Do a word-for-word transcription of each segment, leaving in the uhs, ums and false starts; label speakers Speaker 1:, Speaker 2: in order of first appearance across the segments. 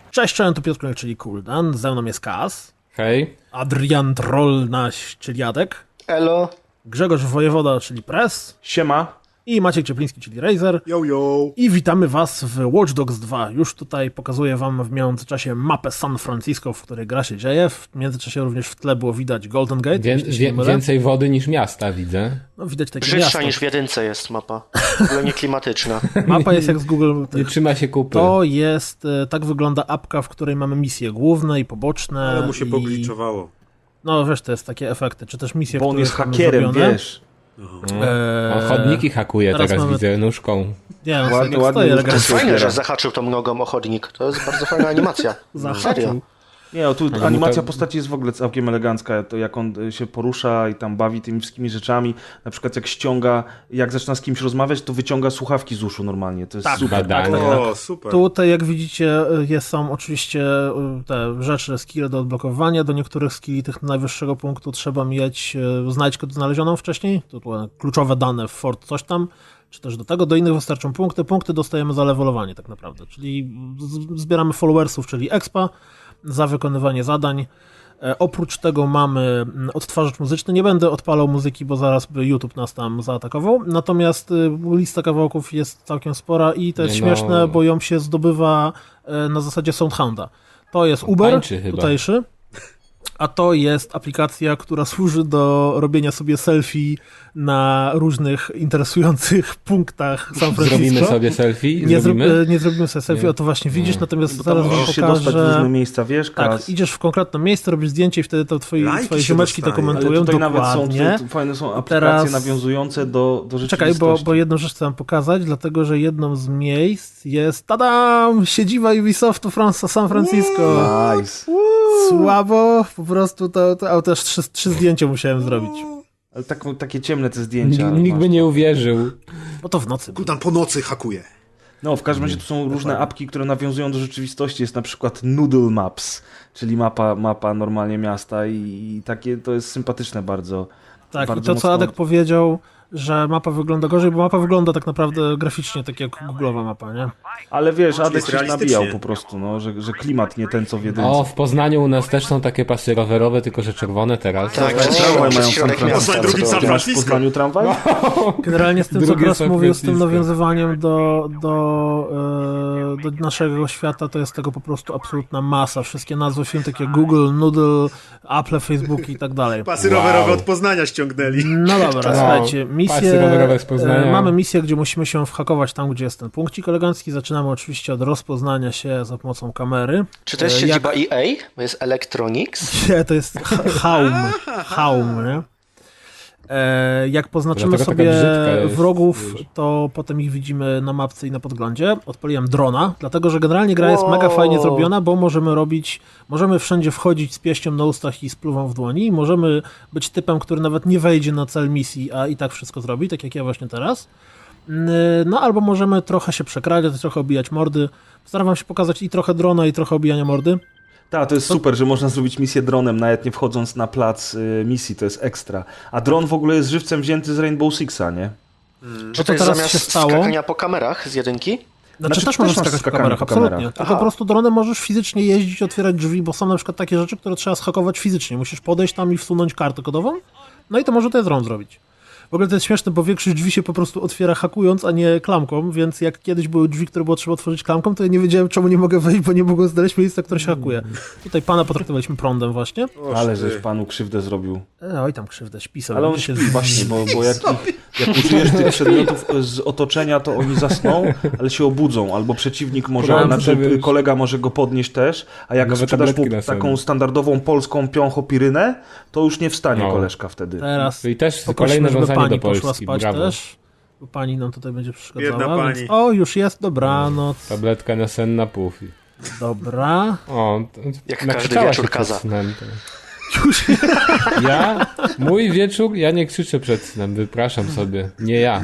Speaker 1: Cześć, cześć, tu Piotr, czyli Kuldan, ze mną jest Kaz.
Speaker 2: Hej.
Speaker 1: Adrian Trollnaś, czyli Jadek.
Speaker 3: Elo.
Speaker 1: Grzegorz Wojewoda, czyli Press.
Speaker 4: Siema.
Speaker 1: I Maciek Ciepliński, czyli Razer.
Speaker 5: Yo, yo.
Speaker 1: I witamy was w Watch Dogs dwa. Już tutaj pokazuję wam w międzyczasie mapę San Francisco, w której gra się dzieje. W międzyczasie również w tle było widać Golden Gate.
Speaker 2: Wię, wie, więcej wody niż miasta widzę.
Speaker 1: No, widać takie
Speaker 3: Brzydsza
Speaker 1: miasto.
Speaker 3: niż w jedynce jest mapa. W ogóle nie klimatyczna.
Speaker 1: Mapa jest jak z Google.
Speaker 2: Nie trzyma się kupy.
Speaker 1: To jest, e, tak wygląda apka, w której mamy misje główne i poboczne.
Speaker 5: Ale mu się
Speaker 1: i...
Speaker 5: pogliczowało.
Speaker 1: No wiesz, to jest takie efekty, czy też misje,
Speaker 4: Bo on
Speaker 1: które
Speaker 4: jest
Speaker 1: są
Speaker 4: hakerem,
Speaker 1: zrobione.
Speaker 4: wiesz.
Speaker 1: Eee,
Speaker 2: On chodniki hakuje teraz,
Speaker 1: mamy-
Speaker 2: widzę, nóżką.
Speaker 1: Nie, no,
Speaker 4: Ładnie,
Speaker 1: ładnie,
Speaker 4: ładnie
Speaker 1: stoi
Speaker 4: już
Speaker 3: To
Speaker 1: elegancko.
Speaker 3: jest fajne,
Speaker 4: Super.
Speaker 3: że zahaczył tą nogą o chodnik. To jest bardzo fajna animacja. Serio.
Speaker 1: Zahaczył.
Speaker 4: Nie, o, tu
Speaker 2: Ale
Speaker 4: animacja
Speaker 2: to-
Speaker 4: postaci jest w ogóle całkiem elegancka. To jak on y, się porusza i tam bawi tymi wszystkimi rzeczami. Na przykład jak ściąga, jak zaczyna z kimś rozmawiać, to wyciąga słuchawki z uszu normalnie. To jest
Speaker 1: Tak,
Speaker 4: super.
Speaker 2: badanie.
Speaker 1: tak, tak.
Speaker 5: O, super.
Speaker 1: Tutaj, jak widzicie, jest, są oczywiście y, te rzeczy, skille do odblokowania. Do niektórych skilli tych najwyższego punktu trzeba mieć y, znajdźkę znalezioną wcześniej. To były kluczowe dane w Fort coś tam. Czy też do tego, do innych wystarczą punkty. Punkty dostajemy za levelowanie tak naprawdę. Czyli z- zbieramy followersów, czyli expa za wykonywanie zadań. E, oprócz tego mamy mm, odtwarzacz muzyczny. Nie będę odpalał muzyki, bo zaraz by YouTube nas tam zaatakował. Natomiast y, lista kawałków jest całkiem spora i to jest
Speaker 2: Nie no.
Speaker 1: śmieszne, bo ją się zdobywa e, na zasadzie Soundhounda. To jest Uber,
Speaker 2: tańczy chyba.
Speaker 1: tutejszy. A to jest aplikacja, która służy do robienia sobie selfie na różnych interesujących punktach San Francisco.
Speaker 2: Zrobimy sobie selfie?
Speaker 1: Nie, zro,
Speaker 2: Zrobimy?
Speaker 1: nie zrobimy sobie selfie,
Speaker 2: Nie.
Speaker 1: o to właśnie widzisz,
Speaker 2: Nie.
Speaker 1: natomiast
Speaker 4: Bo tam
Speaker 1: zaraz wam
Speaker 4: możesz się dostać w różne
Speaker 1: pokażę.
Speaker 4: miejsca, wiesz,
Speaker 1: Tak,
Speaker 4: Kaz?
Speaker 1: idziesz w konkretne miejsce, robisz zdjęcie i wtedy to twoi,
Speaker 5: Lajki
Speaker 1: twoje
Speaker 5: się
Speaker 1: ziomeczki
Speaker 5: dostaje.
Speaker 4: Ale
Speaker 1: dokumentują
Speaker 4: tutaj nawet są,
Speaker 1: dokładnie.
Speaker 4: tu, tu fajne są aplikacje
Speaker 1: Teraz-
Speaker 4: nawiązujące do, do
Speaker 1: Czekaj,
Speaker 4: rzeczywistości.
Speaker 1: bo, bo jedną rzecz chcę wam pokazać, dlatego że jedną z miejsc jest, tadam, siedziba Ubisoftu Fran- San Francisco.
Speaker 4: Nice.
Speaker 1: Słabo, po prostu to, to a też trzy, trzy zdjęcia musiałem zrobić.
Speaker 4: Ale tak, takie ciemne te zdjęcia.
Speaker 2: Nikt, nikt
Speaker 4: masz.
Speaker 2: by nie uwierzył.
Speaker 1: Bo to w nocy.
Speaker 5: Kultan po nocy hakuje.
Speaker 4: No, w każdym razie tu są różne apki, które nawiązują do rzeczywistości. Jest na przykład Noodle Maps, czyli mapa, mapa normalnie miasta i, i takie to jest sympatyczne bardzo.
Speaker 1: Tak, i
Speaker 4: bardzo
Speaker 1: to co
Speaker 4: mocno-
Speaker 1: Adek powiedział, że mapa wygląda gorzej, bo mapa wygląda tak naprawdę graficznie tak jak googlowa mapa, nie?
Speaker 4: Ale wiesz, Adek
Speaker 5: jest
Speaker 4: się
Speaker 5: realistycznie.
Speaker 4: nabijał po prostu, no, że, że klimat nie ten co w jedynce.
Speaker 2: O, w Poznaniu u nas też są takie pasy rowerowe, tylko że czerwone teraz.
Speaker 3: Tak,
Speaker 4: O,
Speaker 3: przez,
Speaker 4: tramwaj
Speaker 3: przez
Speaker 4: mają
Speaker 3: środek
Speaker 4: San
Speaker 3: miasta.
Speaker 5: Poznań, drugi
Speaker 3: co
Speaker 5: San
Speaker 3: to-
Speaker 4: Ty masz w
Speaker 5: Francisco.
Speaker 4: Poznaniu tramwaj?
Speaker 1: Generalnie z tym, co
Speaker 2: Drugie
Speaker 1: Kras
Speaker 2: San
Speaker 1: mówił, z tym
Speaker 2: Francisco.
Speaker 1: nawiązywaniem do, do, e, do naszego świata, to jest tego po prostu absolutna masa. Wszystkie nazwy firm, takie jak Google, Noodle, Apple, Facebook i tak dalej.
Speaker 5: Pasy
Speaker 2: Wow.
Speaker 5: rowerowe od Poznania ściągnęli.
Speaker 1: No dobra,
Speaker 2: No,
Speaker 1: słuchajcie,
Speaker 2: pasy
Speaker 1: misję,
Speaker 2: rowerowe z Poznania.
Speaker 1: e, mamy misję, gdzie musimy się whakować tam, gdzie jest ten punkcik elegancki. Zaczynamy oczywiście od rozpoznania się za pomocą kamery.
Speaker 3: Czy to jest
Speaker 1: E,
Speaker 3: siedziba E A? Bo jest Electronics.
Speaker 1: Nie, to jest ha- Haum, Haum, nie? E, jak poznaczymy
Speaker 2: Dlatego taka
Speaker 1: sobie
Speaker 2: brzydka jest,
Speaker 1: wrogów,
Speaker 2: wiesz.
Speaker 1: to potem ich widzimy na mapce i na podglądzie. Odpaliłem drona, dlatego że generalnie gra jest
Speaker 3: Wow.
Speaker 1: mega fajnie zrobiona, bo możemy robić, możemy wszędzie wchodzić z pieścią na ustach i z pluwą w dłoni. I możemy być typem, który nawet nie wejdzie na cel misji, a i tak wszystko zrobi, tak jak ja właśnie teraz. No albo możemy trochę się przekradziać, trochę obijać mordy. Staram wam się pokazać i trochę drona, i trochę obijania mordy.
Speaker 4: Tak, to jest super, że można zrobić misję dronem, nawet nie wchodząc na plac y, misji, to jest ekstra. A dron w ogóle jest żywcem wzięty z Rainbow Sixa, nie?
Speaker 3: Czy
Speaker 1: to
Speaker 3: to jest
Speaker 1: teraz
Speaker 3: zamiast
Speaker 1: się stało?
Speaker 3: skakania po kamerach z jedynki?
Speaker 1: Znaczy,
Speaker 4: Znaczy,
Speaker 1: też
Speaker 4: też
Speaker 1: możesz
Speaker 4: masz
Speaker 1: skakać po
Speaker 4: skakanie
Speaker 1: kamerach,
Speaker 4: po
Speaker 1: absolutnie.
Speaker 4: kamerach.
Speaker 1: Tylko
Speaker 3: Aha.
Speaker 1: po prostu dronem możesz fizycznie jeździć, otwierać drzwi, bo są na przykład takie rzeczy, które trzeba schakować fizycznie. Musisz podejść tam i wsunąć kartę kodową, no i to może to jest dron zrobić. W ogóle to jest śmieszne, bo większość drzwi się po prostu otwiera hakując, a nie klamką, więc jak kiedyś były drzwi, które było trzeba otworzyć klamką, to ja nie wiedziałem, czemu nie mogę wejść, bo nie mogłem znaleźć miejsca, które się hakuje. Tutaj pana potraktowaliśmy prądem właśnie.
Speaker 5: O,
Speaker 4: Ale
Speaker 5: ty.
Speaker 4: żeś panu krzywdę zrobił.
Speaker 1: E, oj tam krzywdę, śpi sobie.
Speaker 4: Ale on
Speaker 1: Będzie się
Speaker 4: śpi
Speaker 1: z-
Speaker 4: właśnie, bo, bo jak, ich, jak użyjesz tych przedmiotów z otoczenia, to oni zasną, ale się obudzą, albo przeciwnik może,
Speaker 2: Prąd
Speaker 4: znaczy
Speaker 2: sobie-
Speaker 4: kolega może go podnieść też, a jak
Speaker 2: Nowe
Speaker 4: sprzedasz mu
Speaker 2: tabletki na
Speaker 4: taką
Speaker 2: sobie.
Speaker 4: standardową polską piąchopirynę, to już nie wstanie
Speaker 2: No.
Speaker 4: koleżka wtedy.
Speaker 1: Teraz
Speaker 2: Czyli też
Speaker 1: poprosimy,
Speaker 2: kolejne
Speaker 1: żeby
Speaker 2: wiązanie
Speaker 1: pani
Speaker 2: do
Speaker 1: poszła
Speaker 2: Polski,
Speaker 1: spać
Speaker 2: brawo.
Speaker 1: też. Bo pani nam tutaj będzie przeszkadzała.
Speaker 5: Biedna pani.
Speaker 1: Więc... O, już jest, dobranoc.
Speaker 2: Tabletka na sen na puf.
Speaker 1: Dobra.
Speaker 2: O, to,
Speaker 3: Jak
Speaker 2: nakrzyczała
Speaker 3: każdy wieczór
Speaker 2: się przed
Speaker 3: kaza.
Speaker 2: snem. To. Ja? Mój wieczór? Ja nie krzyczę przed snem, wypraszam sobie. Nie ja.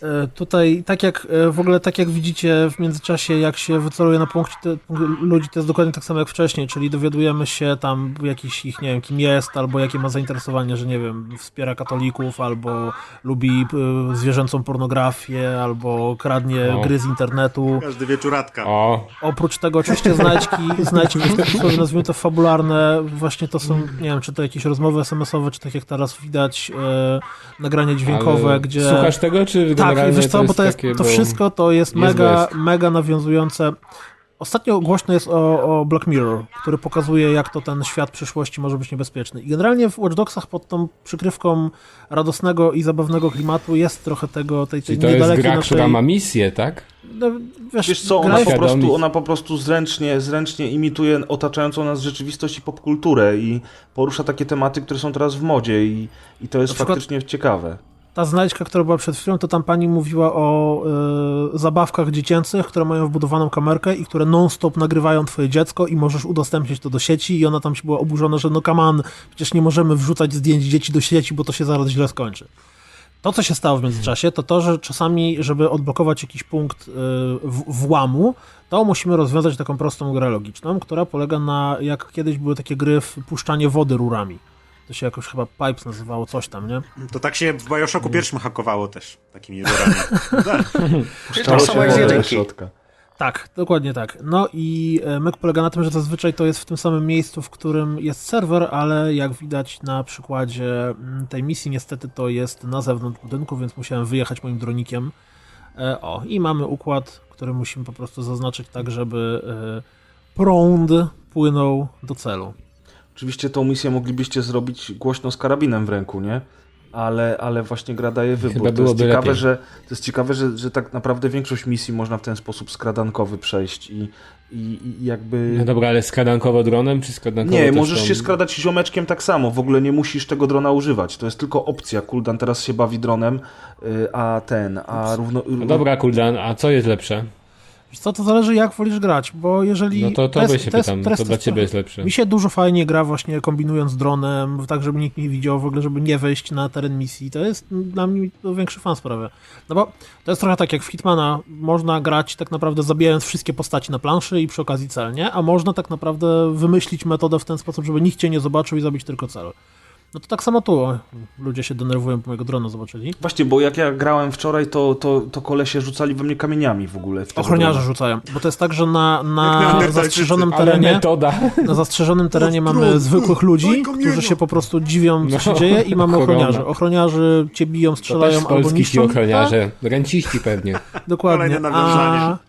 Speaker 1: E, Tutaj, tak jak e, w ogóle, tak jak widzicie w międzyczasie, jak się wyceluje na punkcie te, punkt ludzi, to jest dokładnie tak samo jak wcześniej, czyli dowiadujemy się tam jakiś ich, nie wiem, kim jest, albo jakie ma zainteresowanie, że nie wiem, wspiera katolików, albo lubi e, zwierzęcą pornografię, albo kradnie
Speaker 2: O.
Speaker 1: gry z internetu.
Speaker 5: Każdy wieczóratka.
Speaker 2: O,
Speaker 1: Oprócz tego oczywiście znajdźki, znajdźki nazwijmy to fabularne, właśnie to są, nie wiem, czy to jakieś rozmowy es em esowe, czy tak jak teraz widać, e, nagrania dźwiękowe,
Speaker 2: ale
Speaker 1: gdzie...
Speaker 2: słuchasz tego, czy
Speaker 1: Tak,
Speaker 2: generalnie
Speaker 1: i wiesz co,
Speaker 2: to
Speaker 1: bo
Speaker 2: jest
Speaker 1: to, jest,
Speaker 2: takie,
Speaker 1: to
Speaker 2: bo
Speaker 1: wszystko to jest
Speaker 2: jest
Speaker 1: mega,
Speaker 2: west.
Speaker 1: mega nawiązujące. Ostatnio głośno jest o, o Black Mirror, który pokazuje, jak to ten świat przyszłości może być niebezpieczny. I generalnie w Watch Dogsach pod tą przykrywką radosnego i zabawnego klimatu jest trochę tego, tej, tej
Speaker 2: Czyli to jest
Speaker 1: niedalekiej
Speaker 2: gra,
Speaker 1: naszej...
Speaker 2: która ma misję, tak?
Speaker 1: No, wiesz,
Speaker 4: Wiesz co,
Speaker 1: gra
Speaker 4: ona
Speaker 1: jest-
Speaker 4: po, prostu,
Speaker 2: Świadomi.
Speaker 4: ona po prostu zręcznie, zręcznie imituje otaczającą nas rzeczywistość i popkulturę i porusza takie tematy, które są teraz w modzie i, i to jest
Speaker 1: Na przykład-
Speaker 4: faktycznie ciekawe.
Speaker 1: Ta znajdźka, która była przed chwilą, to tam pani mówiła o y, zabawkach dziecięcych, które mają wbudowaną kamerkę i które non-stop nagrywają twoje dziecko i możesz udostępnić to do sieci i ona tam się była oburzona, że no come on, przecież nie możemy wrzucać zdjęć dzieci do sieci, bo to się zaraz źle skończy. To, co się stało w międzyczasie, to to, że czasami, żeby odblokować jakiś punkt y, w, włamu, to musimy rozwiązać taką prostą grę logiczną, która polega na, jak kiedyś były takie gry w puszczanie wody rurami. To się jakoś chyba Pipes nazywało, coś tam, nie?
Speaker 5: To tak się w Bioshocku pierwszym hakowało też, takimi rurami. Tak.
Speaker 3: To samo jak z
Speaker 4: wodę do
Speaker 3: jedynki.
Speaker 4: środka.
Speaker 1: Tak, dokładnie tak. No i e, myk polega na tym, że zazwyczaj to jest w tym samym miejscu, w którym jest serwer, ale jak widać na przykładzie mm, tej misji, niestety to jest na zewnątrz budynku, więc musiałem wyjechać moim dronikiem. E, o, i mamy układ, który musimy po prostu zaznaczyć tak, żeby e, prąd płynął do celu.
Speaker 4: Oczywiście tą misję moglibyście zrobić głośno z karabinem w ręku, nie? Ale, ale właśnie gra daje wybór.
Speaker 2: Chyba
Speaker 4: to jest
Speaker 2: byłoby
Speaker 4: ciekawe,
Speaker 2: lepiej.
Speaker 4: że, to jest ciekawe że, że tak naprawdę większość misji można w ten sposób skradankowy przejść i, i, i jakby...
Speaker 2: No dobra, ale skradankowo dronem, czy skradankowo
Speaker 4: Nie,
Speaker 2: też
Speaker 4: możesz
Speaker 2: tą-
Speaker 4: się skradać ziomeczkiem tak samo, w ogóle nie musisz tego drona używać, to jest tylko opcja. Kuldan teraz się bawi dronem, y, a ten, a równo...
Speaker 2: No dobra, Kuldan, a co jest lepsze?
Speaker 1: Wiesz co, to zależy jak wolisz grać, bo jeżeli...
Speaker 2: No to
Speaker 1: jest-
Speaker 2: tobie się
Speaker 1: jest-
Speaker 2: pytam,
Speaker 1: jest
Speaker 2: co dla
Speaker 1: trochę-
Speaker 2: ciebie jest lepsze?
Speaker 1: Mi się dużo fajnie gra właśnie kombinując dronem, tak żeby nikt nie widział, w ogóle żeby nie wejść na teren misji. To jest dla mnie to większy fan sprawia. No bo to jest trochę tak jak w Hitmana, można grać tak naprawdę zabijając wszystkie postaci na planszy i przy okazji cel, nie? A można tak naprawdę wymyślić metodę w ten sposób, żeby nikt cię nie zobaczył i zabić tylko cel. No to tak samo tu. O, ludzie się denerwują, bo mojego drona zobaczyli.
Speaker 4: Właśnie, bo jak ja grałem wczoraj, to, to, to kolesie rzucali we mnie kamieniami w ogóle. w tego
Speaker 1: Ochroniarze
Speaker 4: drona.
Speaker 1: rzucają, bo to jest tak, że na,
Speaker 5: Jak
Speaker 1: na
Speaker 5: neandertalczycy.
Speaker 1: zastrzeżonym
Speaker 2: Ale
Speaker 1: terenie...
Speaker 2: metoda.
Speaker 1: Na zastrzeżonym terenie
Speaker 5: Trud,
Speaker 1: mamy
Speaker 5: trud,
Speaker 1: zwykłych ludzi,
Speaker 5: daj kamienia.
Speaker 1: którzy się po prostu dziwią, co
Speaker 2: No,
Speaker 1: się dzieje i mamy
Speaker 2: korona.
Speaker 1: ochroniarzy. Ochroniarzy cię biją,
Speaker 2: To też
Speaker 1: strzelają
Speaker 2: z
Speaker 1: albo
Speaker 2: Polski ci
Speaker 1: niszczą.
Speaker 2: ochroniarze. Ręciści pewnie.
Speaker 1: Tak, dokładnie.
Speaker 5: Kolejne nawiązanie.
Speaker 1: A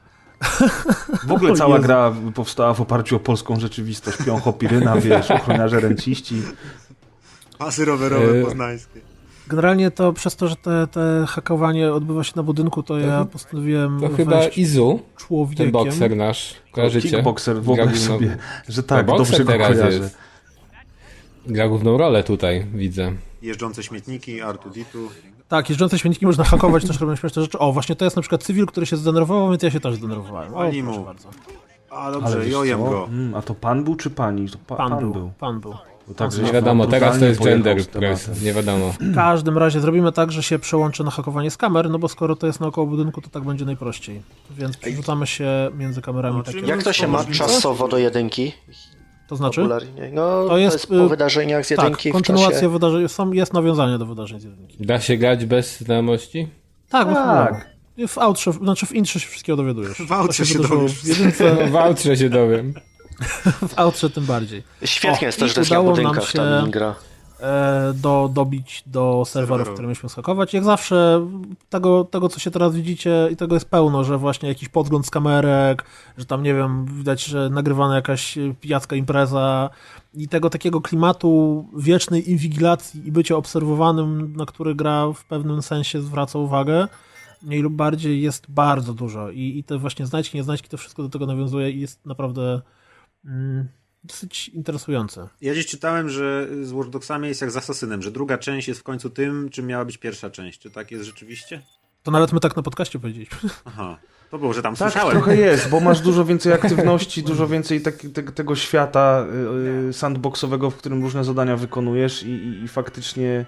Speaker 4: W ogóle
Speaker 1: O
Speaker 4: cała
Speaker 1: Jezu.
Speaker 4: gra powstała w oparciu o polską rzeczywistość. Piącho, Piryna, wiesz, ochroniarze, ręciści.
Speaker 5: Pasy rowerowe
Speaker 2: Yy.
Speaker 5: poznańskie.
Speaker 1: generalnie to przez to, że te, te hakowanie odbywa się na budynku, to ja postanowiłem
Speaker 2: To chyba
Speaker 1: wejść
Speaker 2: Izu, ten
Speaker 1: człowiekiem.
Speaker 2: bokser nasz. Kojarzycie?
Speaker 4: Kickboxer,
Speaker 2: Gra
Speaker 4: wyobraź
Speaker 2: główną-
Speaker 4: sobie, że tak,
Speaker 2: To
Speaker 4: dobrze
Speaker 2: bokser
Speaker 4: go
Speaker 2: teraz
Speaker 4: kojarzę.
Speaker 2: jest. Gra główną rolę tutaj, widzę.
Speaker 5: Jeżdżące śmietniki, Artuditu.
Speaker 1: Tak, jeżdżące śmietniki można hakować, też robią śmieszne rzeczy. O, właśnie to jest na przykład cywil, który się zdenerwował, więc ja się też zdenerwowałem. O,
Speaker 5: Pani
Speaker 1: proszę
Speaker 5: mu.
Speaker 1: bardzo.
Speaker 5: A
Speaker 4: Ale
Speaker 5: dobrze,
Speaker 4: wiesz
Speaker 5: jojem
Speaker 4: co?
Speaker 5: go.
Speaker 4: Mm, a to pan był czy pani? To pa,
Speaker 1: Pan, był, pan był.
Speaker 4: Bo tak, żeś
Speaker 2: Nie wiadomo, teraz to
Speaker 4: brutalnie
Speaker 2: jest
Speaker 4: pojechał
Speaker 2: gender
Speaker 4: z tematem.
Speaker 2: press, nie wiadomo.
Speaker 1: W każdym razie zrobimy tak, że się przełączy na hakowanie z kamer, no bo skoro to jest naokoło budynku, to tak będzie najprościej. Więc przerzucamy się między kamerami.
Speaker 5: No,
Speaker 1: takie.
Speaker 5: czyli
Speaker 3: Jak to się ma
Speaker 5: Możliwe?
Speaker 3: czasowo do jedynki?
Speaker 1: To znaczy?
Speaker 3: Popularnie. No,
Speaker 1: To
Speaker 3: to
Speaker 1: jest,
Speaker 3: jest, po
Speaker 1: y,
Speaker 3: wydarzeniach z
Speaker 1: Tak,
Speaker 3: jedynki w
Speaker 1: kontynuacja
Speaker 3: czasie...
Speaker 1: wydarzeń, są, jest nawiązanie do wydarzeń z jedynki.
Speaker 2: Da się grać bez znajomości?
Speaker 1: Tak, bo
Speaker 4: Tak.
Speaker 1: chyba w outrze, znaczy w intrze się wszystkiego dowiadujesz.
Speaker 5: W outrze
Speaker 1: To
Speaker 5: się
Speaker 1: wydarzyło
Speaker 5: dowiesz.
Speaker 1: W jedynce,
Speaker 2: No w outrze się dowiem.
Speaker 1: w outrze tym bardziej.
Speaker 3: Świetnie
Speaker 1: O,
Speaker 3: jest to,
Speaker 1: i
Speaker 3: że to jest na
Speaker 1: udało nam
Speaker 3: budynkach
Speaker 1: się-
Speaker 3: ta gra.
Speaker 1: E, do, dobić do serwerów,
Speaker 5: Serwerów.
Speaker 1: które mieliśmy skakować. Jak zawsze tego, tego, co się teraz widzicie i tego jest pełno, że właśnie jakiś podgląd z kamerek, że tam, nie wiem, widać, że nagrywana jakaś pijacka impreza i tego takiego klimatu wiecznej inwigilacji i bycia obserwowanym, na który gra w pewnym sensie zwraca uwagę, mniej lub bardziej jest bardzo dużo i, i te właśnie znajdźki, nieznajdźki, to wszystko do tego nawiązuje i jest naprawdę mm, dosyć interesujące.
Speaker 5: Ja gdzieś czytałem, że z Watch Dogsami jest jak z Assassinem, że druga część jest w końcu tym, czym miała być pierwsza część. Czy tak jest rzeczywiście?
Speaker 1: To nawet my tak na podcaście powiedzieliśmy.
Speaker 5: Aha. To było, że tam
Speaker 4: Tak,
Speaker 5: słyszałem.
Speaker 4: trochę jest, bo masz dużo więcej aktywności, dużo więcej tak, te, tego świata y, y, sandboxowego, w którym różne zadania wykonujesz i, i, i faktycznie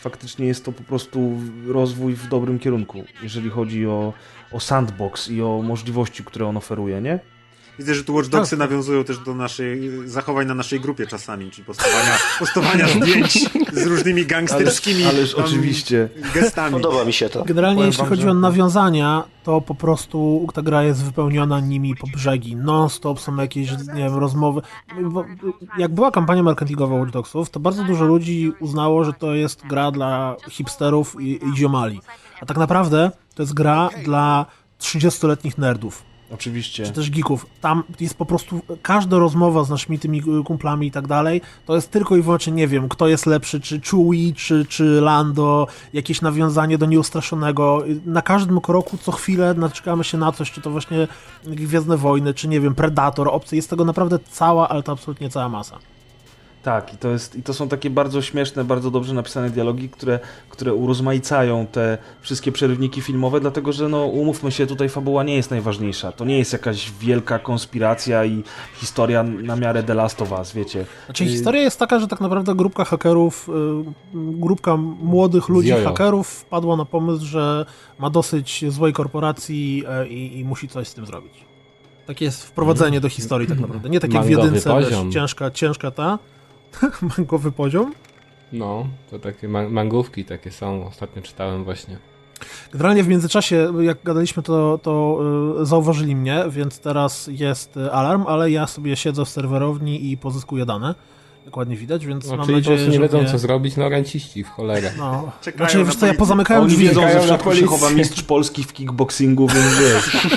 Speaker 4: faktycznie jest to po prostu rozwój w dobrym kierunku, jeżeli chodzi o, o sandbox i o możliwości, które on oferuje, nie?
Speaker 5: Widzę, że tu Watch Dogsy nawiązują też do naszej zachowań na naszej grupie czasami, czyli postowania, postowania zdjęć z różnymi gangsterskimi
Speaker 4: Ależ, ależ
Speaker 5: tam
Speaker 4: oczywiście.
Speaker 5: gestami.
Speaker 3: Podoba mi się to.
Speaker 1: Generalnie
Speaker 4: Powiem
Speaker 1: jeśli
Speaker 4: wam,
Speaker 1: chodzi
Speaker 4: że-
Speaker 1: o nawiązania, to po prostu ta gra jest wypełniona nimi po brzegi. Non-stop są jakieś, nie wiem, rozmowy. Bo jak była kampania marketingowa Watch Dogsów, to bardzo dużo ludzi uznało, że to jest gra dla hipsterów i, i ziomali. A tak naprawdę to jest gra dla trzydziestoletnich nerdów.
Speaker 4: Oczywiście.
Speaker 1: Czy też geeków. Tam jest po prostu każda rozmowa z naszymi tymi kumplami i tak dalej, to jest tylko i wyłącznie, nie wiem, kto jest lepszy, czy Chewie, czy, czy Lando, jakieś nawiązanie do Nieustraszonego. Na każdym kroku co chwilę naczekamy się na coś, czy to właśnie Gwiezdne Wojny, czy nie wiem, Predator, Obcy. Jest tego naprawdę cała, ale to absolutnie cała masa.
Speaker 4: Tak, i to, jest, i to są takie bardzo śmieszne, bardzo dobrze napisane dialogi, które, które urozmaicają te wszystkie przerywniki filmowe, dlatego że, no, umówmy się, tutaj fabuła nie jest najważniejsza. To nie jest jakaś wielka konspiracja i historia na miarę The Last of Us, wiecie.
Speaker 1: Znaczy
Speaker 4: Y,
Speaker 1: historia jest taka, że tak naprawdę grupka hakerów, y, grupka młodych ludzi,
Speaker 2: Zjojo.
Speaker 1: hakerów wpadła na pomysł, że ma dosyć złej korporacji y, i, i musi coś z tym zrobić. Takie jest wprowadzenie do historii tak naprawdę. Nie tak jak w
Speaker 2: Mangowy
Speaker 1: jedynce, wiesz,
Speaker 2: poziom.
Speaker 1: ciężka, ciężka ta. Mangowy poziom.
Speaker 2: No, to takie ma- mangówki takie są, ostatnio czytałem właśnie.
Speaker 1: Generalnie w międzyczasie, jak gadaliśmy, to, to y, zauważyli mnie, więc teraz jest y, alarm, ale ja sobie siedzę w serwerowni i pozyskuję dane. Jak ładnie widać, więc
Speaker 2: No,
Speaker 1: mam
Speaker 2: czyli po
Speaker 1: nadzieję,
Speaker 2: prostu nie
Speaker 1: że
Speaker 2: wiedzą
Speaker 1: mnie...
Speaker 2: co zrobić, no ręciści w cholerę.
Speaker 1: No.
Speaker 5: Czekają
Speaker 1: Znaczy,
Speaker 5: na
Speaker 1: wiesz co, ja
Speaker 5: policję.
Speaker 1: pozamykałem
Speaker 4: Oni
Speaker 1: drzwi.
Speaker 4: wiedzą, że
Speaker 2: Czekają
Speaker 4: w
Speaker 2: na
Speaker 4: środku się chowa
Speaker 2: policję.
Speaker 4: mistrz Polski w kickboxingu, więc wiesz.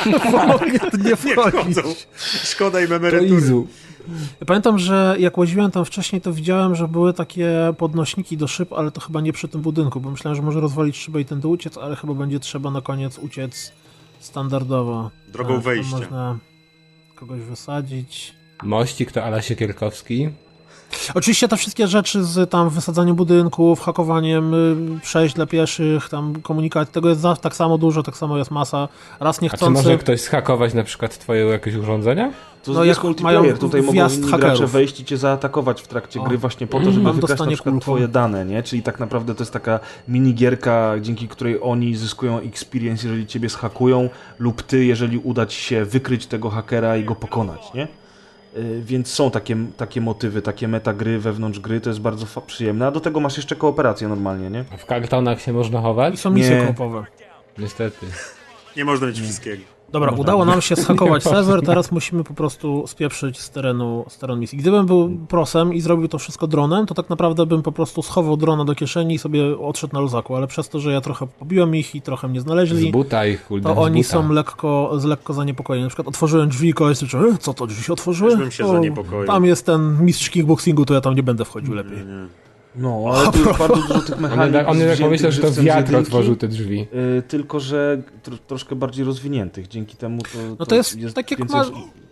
Speaker 1: nie
Speaker 5: Nie
Speaker 1: wchodzi.
Speaker 5: wchodzą. Szkoda im
Speaker 2: To
Speaker 5: emerytury.
Speaker 2: Izu.
Speaker 1: Ja pamiętam, że jak łaziłem tam wcześniej, to widziałem, że były takie podnośniki do szyb, ale to chyba nie przy tym budynku, bo myślałem, że może rozwalić szybę i tędy uciec, ale chyba będzie trzeba na koniec uciec standardowo.
Speaker 5: Drogą
Speaker 1: Tak, tam
Speaker 5: wejścia.
Speaker 1: Można kogoś wysadzić.
Speaker 2: Mościk to Ala Siekierkowski.
Speaker 1: Oczywiście te wszystkie rzeczy z tam wysadzaniem budynków, hakowaniem y, przejść dla pieszych, tam komunikacji, tego jest za, tak samo dużo, tak samo jest masa. Raz
Speaker 2: A czy
Speaker 1: niechcący...
Speaker 2: może ktoś zhakować na przykład twoje jakieś urządzenia?
Speaker 4: To
Speaker 1: No,
Speaker 4: jest
Speaker 1: jak
Speaker 4: multiplayer,
Speaker 1: mają
Speaker 4: tutaj mogą
Speaker 1: wjazd
Speaker 4: inni
Speaker 1: hakerów.
Speaker 4: gracze wejść i cię zaatakować w trakcie
Speaker 1: O.
Speaker 4: gry właśnie po to, żeby
Speaker 1: Mam
Speaker 4: wygrać na
Speaker 1: dostanie
Speaker 4: przykład
Speaker 1: kulką.
Speaker 4: twoje dane, nie? Czyli tak naprawdę to jest taka minigierka, dzięki której oni zyskują experience, jeżeli ciebie zhakują, lub ty, jeżeli uda ci się wykryć tego hakera i go pokonać, nie? Yy, Więc są takie, takie motywy, takie metagry wewnątrz gry, to jest bardzo fa- przyjemne, a do tego masz jeszcze kooperację normalnie, nie?
Speaker 2: A w kartonach się można
Speaker 1: I
Speaker 2: chować?
Speaker 1: są misje
Speaker 4: Nie.
Speaker 1: koopowe.
Speaker 2: Niestety.
Speaker 5: Nie można mieć wszystkiego.
Speaker 1: Dobra, udało nam się zhakować serwer, teraz musimy po prostu spieprzyć z terenu, z terenu misji. Gdybym był prosem i zrobił to wszystko dronem, to tak naprawdę bym po prostu schował drona do kieszeni i sobie odszedł na luzaku, ale przez to, że ja trochę pobiłem ich i trochę mnie
Speaker 2: Z
Speaker 1: znaleźli,
Speaker 2: buta ich, kurde,
Speaker 1: to
Speaker 2: z
Speaker 1: oni
Speaker 2: buta.
Speaker 1: są lekko, z lekko zaniepokojeni. Na przykład otworzyłem drzwi i koleś słyszy, e, co to drzwi się otworzyły?
Speaker 5: Też bym się
Speaker 1: O,
Speaker 5: zaniepokoił.
Speaker 1: Tam jest ten mistrz kickboxingu, to ja tam nie będę wchodził lepiej.
Speaker 5: Nie.
Speaker 4: No, ale tu jest bardzo dużo tych
Speaker 2: On
Speaker 4: mechanik.
Speaker 2: jednak, on jednak
Speaker 4: wziętych
Speaker 2: pomyślał, że to
Speaker 4: żywcem z
Speaker 2: wiatr
Speaker 4: jedynki.
Speaker 2: otworzył te drzwi.
Speaker 4: Yy, tylko, że tro, troszkę bardziej rozwiniętych. Dzięki temu to.
Speaker 1: No to jest tak jak
Speaker 4: więcej-
Speaker 1: masz...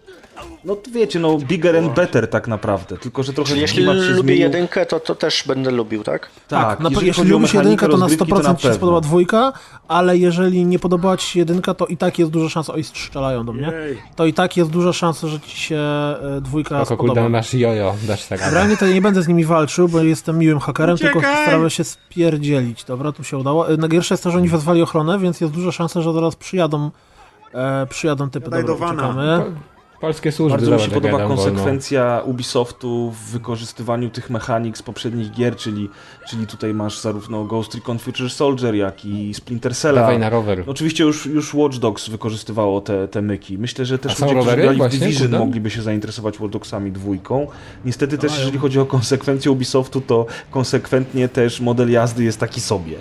Speaker 4: No to wiecie, no bigger and better tak naprawdę. Tylko, że trochę
Speaker 3: Czyli jeśli
Speaker 4: klimat się
Speaker 3: lubię
Speaker 4: zmienił.
Speaker 3: jedynkę, to, to też będę lubił, tak?
Speaker 1: Tak, na,
Speaker 4: jeżeli
Speaker 1: jeśli
Speaker 4: chodzi o
Speaker 1: lubisz
Speaker 4: mechanikę
Speaker 1: jedynkę, to na sto
Speaker 4: rozgrywki,
Speaker 1: procent ci się
Speaker 4: pewno.
Speaker 1: spodoba dwójka, ale jeżeli nie podobała ci się jedynka, to i tak jest duża szansa, oj, strzelają do mnie,
Speaker 5: Jej.
Speaker 1: to i tak jest duża szansa, że ci się e, dwójka
Speaker 2: Oko, kurde,
Speaker 1: spodoba.
Speaker 2: masz jojo, dasz tak.
Speaker 1: Realnie to ja nie będę z nimi walczył, bo jestem miłym hakerem, tylko
Speaker 5: Uciekaj!
Speaker 1: starałem się spierdzielić. Dobra, tu się udało. E, Najgorsze jest to, że oni wezwali ochronę, więc jest duża szansa, że zaraz przyjadą e, przyjadą typy.
Speaker 5: Gadaj
Speaker 1: Dobra,
Speaker 5: do wana.
Speaker 1: uciekamy.
Speaker 2: Polskie służby,
Speaker 4: Bardzo mi się
Speaker 2: zobacz, jak
Speaker 4: podoba
Speaker 2: gadam wolno.
Speaker 4: konsekwencja Ubisoftu w wykorzystywaniu tych mechanik z poprzednich gier, czyli, czyli tutaj masz zarówno Ghost Recon Future Soldier, jak i Splinter Cella.
Speaker 2: Dawaj na rower.
Speaker 4: No, oczywiście już, już Watch Dogs wykorzystywało te, te myki. Myślę, że też
Speaker 2: A są
Speaker 4: ludzie, którzy
Speaker 2: rowery
Speaker 4: grali w
Speaker 2: właśnie?
Speaker 4: Division,
Speaker 2: Kurde.
Speaker 4: mogliby się zainteresować Watch Dogsami dwójką. Niestety też,
Speaker 1: Mają.
Speaker 4: jeżeli chodzi o konsekwencje Ubisoftu, to konsekwentnie też model jazdy jest taki sobie.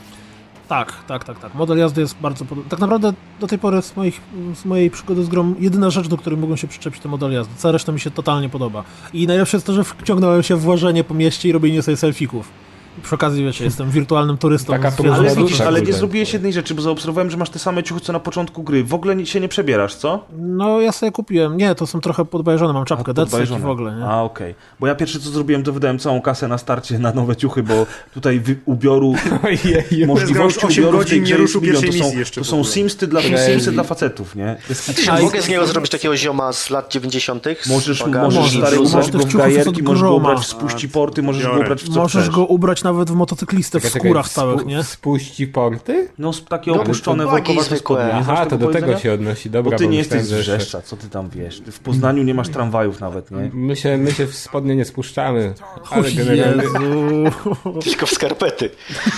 Speaker 1: Tak, tak, tak, tak. Model jazdy jest bardzo podobny. Tak naprawdę do tej pory z, moich, z mojej przygody z grą jedyna rzecz, do której mogłem się przyczepić, to model jazdy. Cała reszta mi się totalnie podoba. I najlepsze jest to, że wciągnąłem się w łażenie po mieście i robienie sobie selfików. I przy okazji, wiecie, jestem wirtualnym turystą.
Speaker 2: Taka
Speaker 1: z
Speaker 2: próba
Speaker 4: Ale
Speaker 1: zwierzęciem.
Speaker 4: widzisz,
Speaker 2: tak,
Speaker 4: ale nie
Speaker 2: kurde.
Speaker 4: zrobiłeś jednej rzeczy, bo zaobserwowałem, że masz te same ciuchy co na początku gry. W ogóle nie- się nie przebierasz, co?
Speaker 1: No ja sobie kupiłem. Nie, to są trochę podbajżone, mam czapkę,
Speaker 4: A,
Speaker 1: decek i
Speaker 4: podbajżone.
Speaker 1: w ogóle, nie?
Speaker 4: A, okej. Bo ja pierwsze co zrobiłem, to wydałem całą kasę na starcie na nowe ciuchy, bo tutaj wy, ubioru,
Speaker 2: Ojeju.
Speaker 4: możliwości
Speaker 5: osiem
Speaker 4: ubioru w tej
Speaker 5: godzin
Speaker 4: grze
Speaker 5: nie
Speaker 4: jest
Speaker 5: ruszył
Speaker 4: milion. To
Speaker 5: pierwszej
Speaker 4: są,
Speaker 5: misji jeszcze
Speaker 4: to
Speaker 5: w
Speaker 4: są
Speaker 5: ogóle.
Speaker 4: simsy dla,
Speaker 2: Crazy.
Speaker 4: simsy dla facetów, nie? Jest
Speaker 3: Czy
Speaker 1: A i-
Speaker 3: mogę z niego zrobić takiego zioma z lat dziewięćdziesiątych?
Speaker 4: Możesz,
Speaker 3: Z bagażem
Speaker 4: możesz
Speaker 1: Możesz,
Speaker 4: stary,
Speaker 1: możesz.
Speaker 4: ubrać
Speaker 1: Tych
Speaker 4: go w
Speaker 1: ciuchów jest
Speaker 4: gajerki,
Speaker 1: od
Speaker 4: możesz go
Speaker 1: groma.
Speaker 4: ubrać w spuści porty, możesz go
Speaker 5: Biorę.
Speaker 4: ubrać w co
Speaker 1: Możesz
Speaker 4: chcesz.
Speaker 1: go ubrać nawet w motocyklistę w
Speaker 2: Czekaj, czekaj,
Speaker 1: skórach całych,
Speaker 2: spu-
Speaker 1: nie?
Speaker 2: Spuści porty?
Speaker 4: No z- takie
Speaker 3: No,
Speaker 4: opuszczone
Speaker 3: to
Speaker 4: workowate
Speaker 3: zwykłe.
Speaker 4: spodnie. Nie znasz
Speaker 2: Aha, to do tego
Speaker 4: powiedzenia?
Speaker 2: się odnosi. Dobra,
Speaker 4: Bo ty nie
Speaker 2: myślałem,
Speaker 4: jesteś z
Speaker 2: że jeszcze-
Speaker 4: Wrzeszcza, co ty tam wiesz? Ty w Poznaniu nie masz tramwajów nawet, nie?
Speaker 2: My się, my się w spodnie nie spuszczamy,
Speaker 1: O
Speaker 2: ale generalnie...
Speaker 1: Jezu.
Speaker 3: Tylko w skarpety.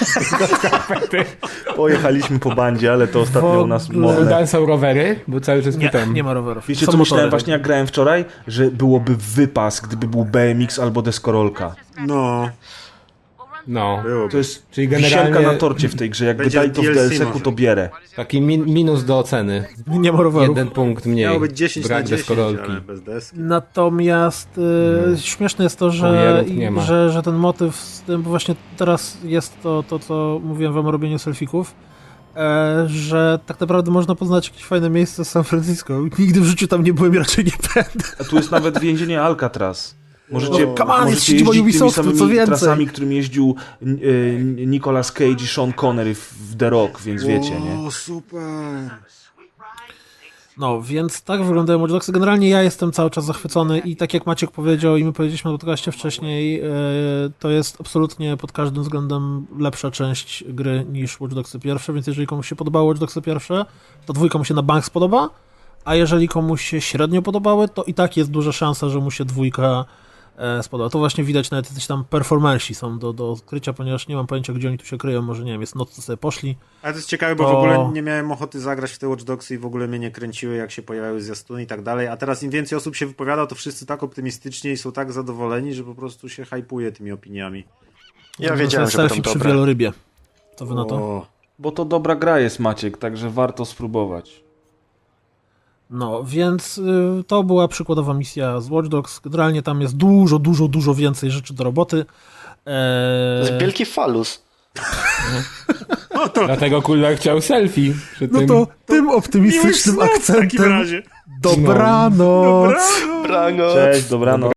Speaker 4: Pojechaliśmy po bandzie, ale to ostatnio u nas
Speaker 1: ogóle-
Speaker 4: modne.
Speaker 2: Tam są rowery, bo cały czas
Speaker 1: Nie,
Speaker 2: pytam.
Speaker 1: nie ma rowerów.
Speaker 4: Wiecie
Speaker 1: Są
Speaker 4: co myślałem
Speaker 1: motory.
Speaker 4: właśnie jak grałem wczoraj? Że byłoby wypas, gdyby był B M X albo deskorolka.
Speaker 5: No,
Speaker 2: No,
Speaker 5: było.
Speaker 4: To jest
Speaker 2: czyli
Speaker 4: wisienka
Speaker 2: generalnie
Speaker 4: na torcie w tej grze. Jakby
Speaker 5: Będzie
Speaker 4: dali to w
Speaker 5: D L C
Speaker 4: D L C-ku,
Speaker 5: może.
Speaker 4: to bierę.
Speaker 2: taki min, minus do oceny.
Speaker 1: Nie ma rowerów.
Speaker 2: Jeden punkt mniej.
Speaker 5: Miało być dziesięć
Speaker 2: Brak
Speaker 5: na dziesięć,
Speaker 2: deskorolki.
Speaker 5: ale bez deski.
Speaker 1: Natomiast y, śmieszne jest to, że,
Speaker 2: Kurierów nie ma.
Speaker 1: że, że ten motyw z tym, bo właśnie teraz jest to, to co mówiłem wam o robieniu selfików, e, że tak naprawdę można poznać jakieś fajne miejsce z San Francisco. Nigdy w życiu tam nie byłem i raczej nie będę.
Speaker 4: A tu jest nawet więzienie Alcatraz. Możecie,
Speaker 1: No, come on, jest
Speaker 4: możecie
Speaker 1: siedziba
Speaker 4: jeździć tymi
Speaker 1: Ubisoftu, co
Speaker 4: samymi
Speaker 1: więcej.
Speaker 4: trasami, którym jeździł y, Nicolas Cage i Sean Connery w, w The Rock, więc wiecie, nie?
Speaker 5: O, super.
Speaker 1: No, więc tak wyglądają Watch Dogsy. Generalnie ja jestem cały czas zachwycony i tak jak Maciek powiedział i my powiedzieliśmy na podcaście wcześniej, e, to jest absolutnie pod każdym względem lepsza część gry niż Watch Dogsy pierwsze, więc jeżeli komuś się podobało Watch Dogsy pierwsze, to dwójka mu się na bank spodoba, a jeżeli komuś się średnio podobały, to i tak jest duża szansa, że mu się dwójka e, spodoba. To właśnie widać, nawet jacyś tam performersi są do, do odkrycia, ponieważ nie mam pojęcia, gdzie oni tu się kryją, może nie wiem, jest noc, to sobie poszli.
Speaker 5: Ale to jest ciekawe, bo
Speaker 1: To-
Speaker 5: w ogóle nie miałem ochoty zagrać w te Watch Dogsy i w ogóle mnie nie kręciły, jak się pojawiały zwiastuny i tak dalej, a teraz im więcej osób się wypowiada, to wszyscy tak optymistycznie i są tak zadowoleni, że po prostu się hypuje tymi opiniami.
Speaker 3: Ja
Speaker 1: To
Speaker 3: wiedziałem,
Speaker 1: jest
Speaker 3: że będą
Speaker 1: selfie przy
Speaker 3: dobre.
Speaker 1: wielorybie. Co wy na to?
Speaker 5: O,
Speaker 4: Bo to dobra gra jest, Maciek, także warto spróbować.
Speaker 1: No, więc y, to była przykładowa misja z Watch Dogs. Generalnie tam jest dużo, dużo, dużo więcej rzeczy do roboty.
Speaker 3: To
Speaker 1: Eee,
Speaker 3: jest wielki falus.
Speaker 2: Dlatego Kulak chciał selfie przy
Speaker 1: no
Speaker 2: tym.
Speaker 1: to tym optymistycznym
Speaker 5: miłych snów w takim
Speaker 1: akcentem
Speaker 5: razie.
Speaker 1: dobranoc.
Speaker 3: Brano.
Speaker 4: Cześć, dobranoc.